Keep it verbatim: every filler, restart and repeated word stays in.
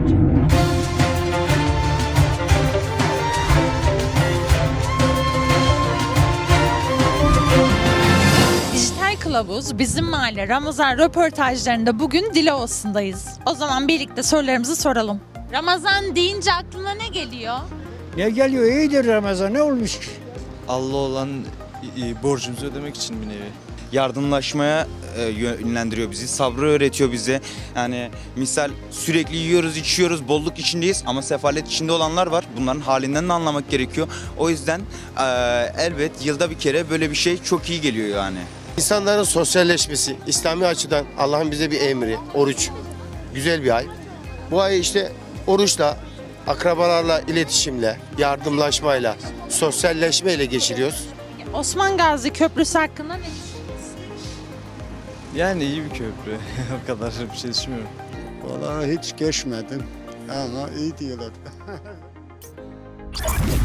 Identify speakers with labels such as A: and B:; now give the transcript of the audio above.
A: Dijital Kılavuz Bizim Mahalle Ramazan röportajlarında bugün Dilovası'ndayız. O zaman birlikte sorularımızı soralım. Ramazan deyince aklına ne geliyor?
B: Ne geliyor? İyidir Ramazan. Ne olmuş ki?
C: Allah olan e, borcumuzu ödemek için bir nevi. Yardımlaşmaya e, yönlendiriyor bizi, sabrı öğretiyor bize. Yani misal sürekli yiyoruz, içiyoruz, bolluk içindeyiz ama sefalet içinde olanlar var. Bunların halinden de anlamak gerekiyor. O yüzden e, elbet yılda bir kere böyle bir şey çok iyi geliyor yani.
D: İnsanların sosyalleşmesi, İslami açıdan Allah'ın bize bir emri, oruç. Güzel bir ay. Bu ayı işte oruçla, akrabalarla iletişimle, yardımlaşmayla, sosyalleşmeyle geçiriyoruz.
A: Osman Gazi Köprüsü hakkında ne düşünüyorsunuz?
C: Yani iyi bir köprü. O kadar bir şey düşünmüyorum.
E: Vallahi hiç geçmedim ama iyi diyorlar.